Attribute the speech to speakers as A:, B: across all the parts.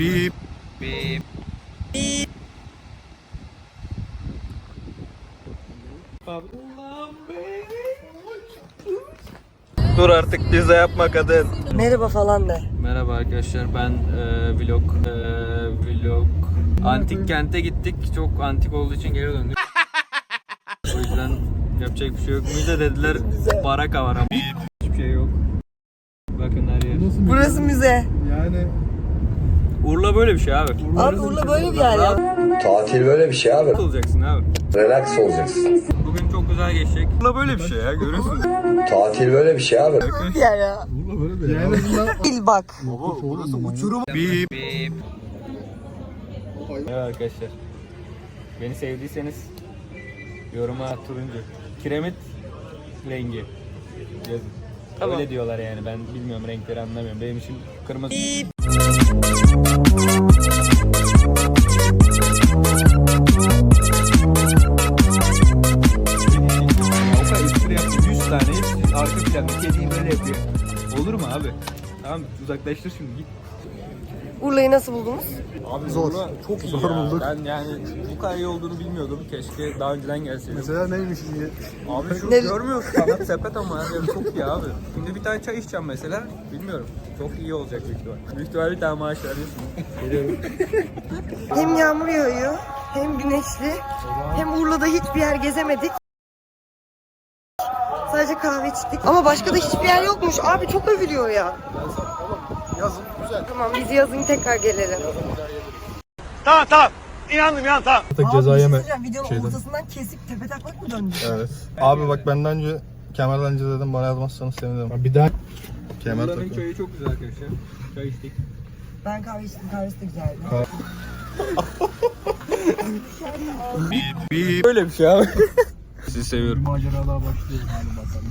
A: Bip. Bip. Bip. Dur artık pizza yapma kadın.
B: Merhaba falan de.
A: Merhaba arkadaşlar, ben vlog antik kente gittik. Çok antik olduğu için geri döndük. O yüzden yapacak bir şey yok. Müze dediler, baraka var ama hiçbir şey yok. Bakın her yer.
B: Burası müze.
C: Yani
A: Urla böyle bir şey abi.
B: Abi Urla böyle bir yer ya.
D: Tatil böyle bir şey abi.
A: Rahat olacaksın abi.
D: Relax olacaksın.
A: Bugün çok güzel geçecek. Urla böyle bir şey ya, görüyorsunuz.
D: Tatil böyle bir şey abi.
B: Böyle bir yer ya.
C: burada böyle bir yani
B: Bil bak.
C: burası uçurum.
A: Bip. Bip. Evet arkadaşlar. Beni sevdiyseniz yoruma turuncu. Kiremit rengi yazın.
B: Tamam.
A: Öyle diyorlar yani, ben bilmiyorum, renkleri anlamıyorum. Benim için kırmızı. Avka espri yaptı, 100 tane arka planda kediyi böyle yapıyor. Olur mu abi? Tamam, uzaklaştır şimdi, git.
B: Urla'yı nasıl buldunuz?
A: Abi
C: Zor.
A: çok iyi
C: Zor
A: ya.
C: bulduk.
A: Ben yani bu kadar iyi olduğunu bilmiyordum. Keşke daha önceden gelseydim.
C: Mesela neymiş diye.
A: Abi şu
B: Ne-
A: görmüyorsun, sanat sepet ama her yer çok iyi abi. Şimdi bir tane çay içeceğim mesela, bilmiyorum. Çok iyi olacak büyük ihtimal. Büyük ihtimal bir tane maaş veriyorsun. Geliyorum.
B: Hem yağmur yağıyor, hem güneşli, hem Urla'da hiçbir yer gezemedik. Sadece kahve içtik. Ama başka da hiçbir yer yokmuş. Abi çok övülüyor ya.
C: Yazın güzel.
B: Tamam biz yazın tekrar gelelim.
C: Artık ceza yeme.
B: Videonun
C: şeyden.
B: ortasından kesip tepe taklak mı döndü?
C: Evet. Abi bak benden önce kemerden önce dedim, bana yazmazsanız sevinirim. Bir daha kemer
A: Buranın
C: takın.
A: çayı çok güzel arkadaşlar. Çay içtik.
B: Ben kahve içtim, kahvesi de güzeldi.
A: Böyle bir şey abi. Sizi seviyorum.
C: Macera daha başlıyor. Hadi bakalım.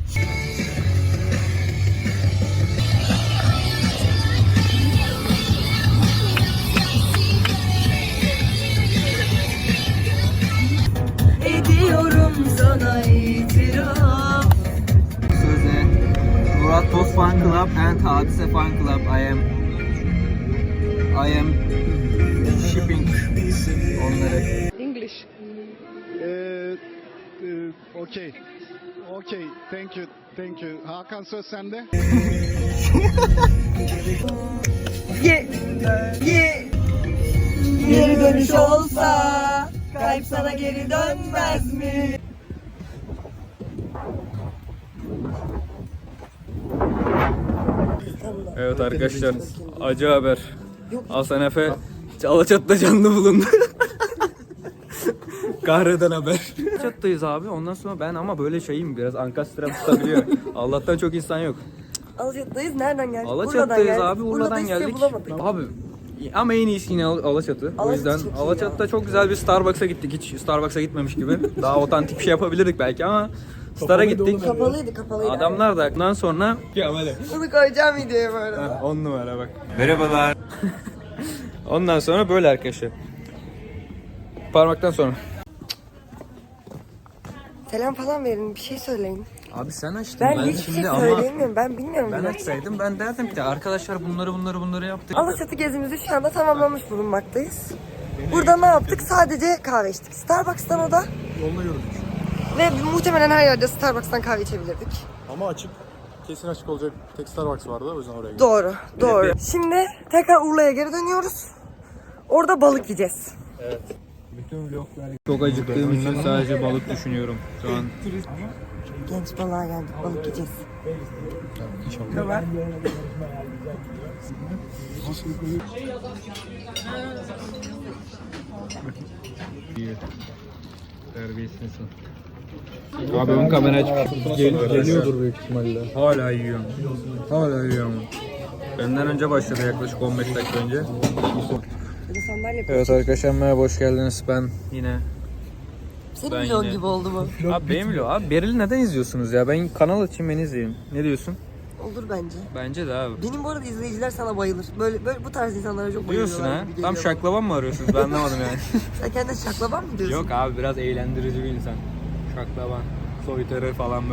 B: Ediyorum sana itiraf.
A: Söze Murat Toz Fan Club and Hadise Fan Club. I am shipping onları.
E: Okay. Okay. Thank you. Thank you. Hakan söz sende.
B: Ye, ye. Geri dönüş olsa, kalp sana geri dönmez mi?
A: Evet arkadaşlar, acı haber. Hasan Efe Alaçatı'da canlı bulundu. Kahreden haber. Alaçatı'dayız abi, ondan sonra ben ama böyle şeyim, biraz ankastre tutabiliyor. Allah'tan çok insan yok.
B: Alaçatı'dayız. Nereden geldik?
A: Alaçatı'dayız abi, Urla'dan
B: hiçbir şey
A: geldik.
B: bulamadık.
A: Abi ama en iyisi yine Alaçatı. O
B: Alaçatı
A: yüzden
B: çok iyi
A: Alaçatı'da çok güzel bir Starbucks'a gittik. Hiç Starbucks'a gitmemiş gibi. Daha otantik bir şey yapabilirdik belki ama Star'a gittik.
B: Kapalıydı.
A: Adamlar da ondan sonra
B: Bunu koyacağım videoya böyle.
A: 10 numara bak. Merhabalar. Ondan sonra böyle arkadaşlar. Parmaktan sonra.
B: Selam falan verin, bir şey söyleyin.
A: Abi sen açtın.
B: Ben hiçbir şey söyleyemiyorum, ben bilmiyorum.
A: Ben
B: bile.
A: açsaydım ben derdim ki arkadaşlar bunları yaptık.
B: Alaçatı gezimizi şu anda tamamlamış bulunmaktayız. Burada ne yaptık? Sadece kahve içtik. Starbucks'tan o da.
C: Yolda yürüdük.
B: Ve muhtemelen her yerde Starbucks'tan kahve içebilirdik.
C: Ama açık. Kesin açık olacak tek Starbucks vardı, o yüzden oraya gittik.
B: Doğru. Şimdi tekrar Urla'ya geri dönüyoruz. Orada balık yiyeceğiz.
A: Çok acıktığım için sadece balık düşünüyorum şu an.
B: Genç balığa geldik, balık yiyeceğiz.
C: İnşallah.
A: Terbiyesizsin. Abi ön kamera açık.
C: Geliyordur büyük ihtimalle.
A: Hala yiyorum. Benden önce başladı, yaklaşık 15 dakika önce.
B: Bir de sandalye
A: Evet arkadaşlar, merhaba, hoş geldiniz. Ben yine...
B: Senin
A: ben
B: vlog
A: yine-
B: gibi oldu bu.
A: Abi benim vlog. Abi Beril'i neden izliyorsunuz ya? Ben kanal açayım, beni izleyin. Ne diyorsun?
B: Olur bence.
A: Bence de abi.
B: Benim bu arada izleyiciler sana bayılır. Böyle bu tarz insanlara çok bayılıyorlar.
A: Diyorsun ha?
B: gibi
A: Tam
B: geliyor.
A: şaklaban mı arıyorsunuz? Ben anlamadım yani.
B: Sen kendine şaklaban mı diyorsun?
A: Yok abi, biraz eğlendirici bir insan. Şaklaban, soytarı falan böyle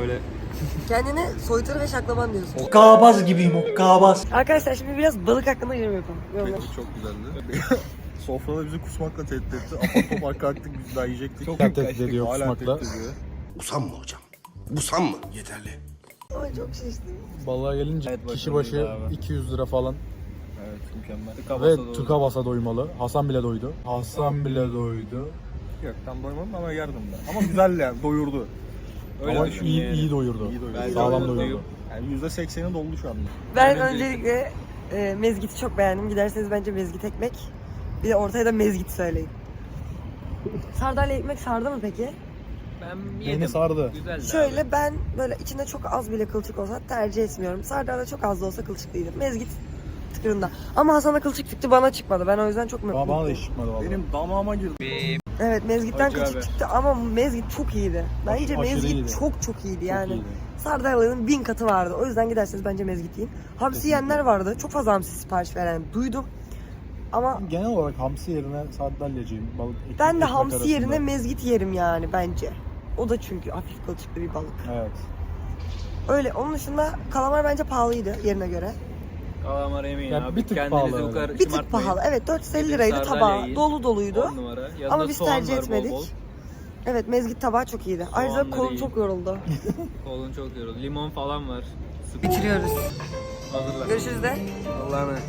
B: Kendini soytarı ve şaklaban diyorsun.
F: Okkabaz gibiyim okkabaz.
B: Arkadaşlar şimdi biraz balık hakkında yorum yapalım. Yorumlar.
C: Çok güzeldi. Sofrada bizi kusmakla tehdit etti. Apar topar kalktık biz daha yiyecektik.
A: Çok
C: tehdit ediyor
A: hala
C: kusmakla.
G: Usanma hocam. Usanma. Yeterli.
B: Ama çok şiştim.
C: Balığa gelince
A: Evet,
C: kişi
A: başarılıydı
C: başı
A: abi.
C: 200 lira falan.
A: Evet mükemmel.
C: Ve tıka basa doymalı. Hasan bile doydu. Hasan bile doydu.
H: Yok tam doymadım ama yardım da. Ama güzel yani doyurdu.
A: Öyle
C: Ama
A: düşün
C: iyi,
A: yani.
C: iyi doyurdu.
H: İyi doyurdu.
A: Ben
C: Sağlam
A: de
C: doyurdu.
H: Yani %80'i doldu şu anda.
B: Ben
A: Ben
B: öncelikle mezgiti çok beğendim. Giderseniz bence mezgit ekmek. Bir de ortaya da mezgit söyleyin. Sardalya ekmek sardı mı peki?
A: Ben
C: Beni
A: yedim.
C: sardı.
A: Güzeldi
B: Şöyle
A: abi.
B: ben böyle içinde çok az bile kılçık olsa tercih etmiyorum. Sardalya çok az da olsa kılçıklıydı. Mezgit tıkırında. Ama Hasan'a kılçık çıktı, bana çıkmadı. Ben o yüzden çok
C: Bana da
B: mutluyum.
C: hiç çıkmadı valla.
H: Benim damağıma girdi.
B: Evet, mezgitten
A: Acı
B: kılçık
A: abi.
B: çıktı ama mezgit çok iyiydi. Bence
C: Aşırı
B: mezgit
C: iyiydi.
B: çok iyiydi yani.
C: iyiydi.
B: Sardalya'nın 1000 katı vardı. O yüzden giderseniz bence mezgit yiyin. Hamsi yiyenler vardı. Çok fazla hamsi sipariş veren duydum. Ama
C: Genel olarak hamsi yerine sardalyacıyım. Balık,
B: ben de
C: ekmek
B: hamsi
C: arasında.
B: yerine mezgit yerim yani bence. O da çünkü hafif kılçıklı bir balık.
C: Evet.
B: Öyle. Onun dışında kalamar bence pahalıydı yerine göre.
A: Kalamar yemeyin
C: Ya
A: abi.
C: bir tık
A: Kendinizi
C: pahalı.
A: bu kadar
B: Bir tık
A: şımartmayın.
B: pahalı. Evet, 450
A: Gidin
B: liraydı
A: sardalya
B: tabağı.
A: yiyin.
B: Dolu doluydu.
A: 10 numara. Yanında
B: Ama biz
A: soğan
B: tercih
A: var bol
B: etmedik.
A: bol.
B: Evet, mezgit tabağı çok iyiydi. Ayrıca
A: Soğanları
B: kolum
A: iyi.
B: çok yoruldu.
A: Kolun çok yoruldu. Limon falan var. Sık.
B: Bitiriyoruz.
A: Hazırla.
B: Görüşürüz de.
A: Allah'a emanet.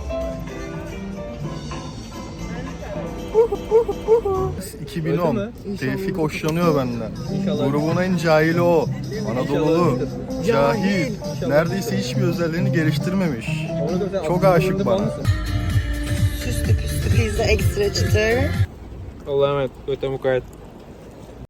C: 2010. Tevfik hoşlanıyor benden.
A: İnşallah.
C: Grubun en cahili o. Anadolu'lu. Cahil. Neredeyse hiçbir özelliğini geliştirmemiş. Çok aşık bana.
B: Süslü püslü pizza ekstra çıtır.
A: Allah'a emanet. Göte mukayyet.